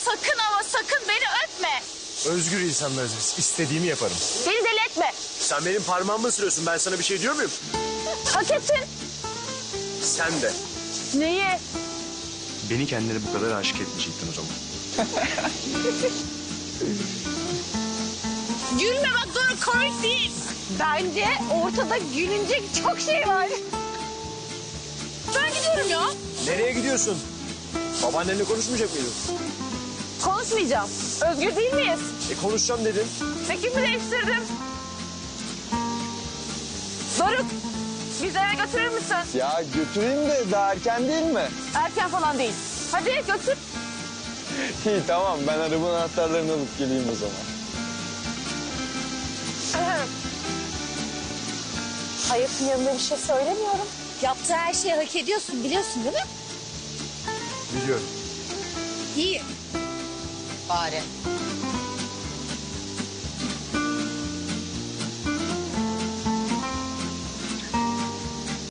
sakın ama sakın beni öpme. Özgür insanlarız biz. İstediğimi yaparım. Beni deli etme. Sen benim parmağımı ısırıyorsun. Ben sana bir şey diyor muyum? Hak ettin. Sen de. Neyi? Beni kendine bu kadar aşık etmeyecektin o zaman. Gülme bak doğru komik değil. Bence ortada gülünecek çok şey var. Ben gidiyorum ya. Nereye gidiyorsun? Babaannenle konuşmayacak mıydın? Konuşmayacağım. Özgür değil miyiz? Konuşacağım dedin. Fikrimi değiştirdim. Doruk, bizi eve götürür müsün? Ya götüreyim de daha erken değil mi? Erken falan değil. Hadi götür. İyi tamam, ben arabanın anahtarlarını alıp geleyim o zaman. Hayatın yanında bir şey söylemiyorum. Yaptığı her şeyi hak ediyorsun biliyorsun değil mi? Biliyorum. İyi. Bari.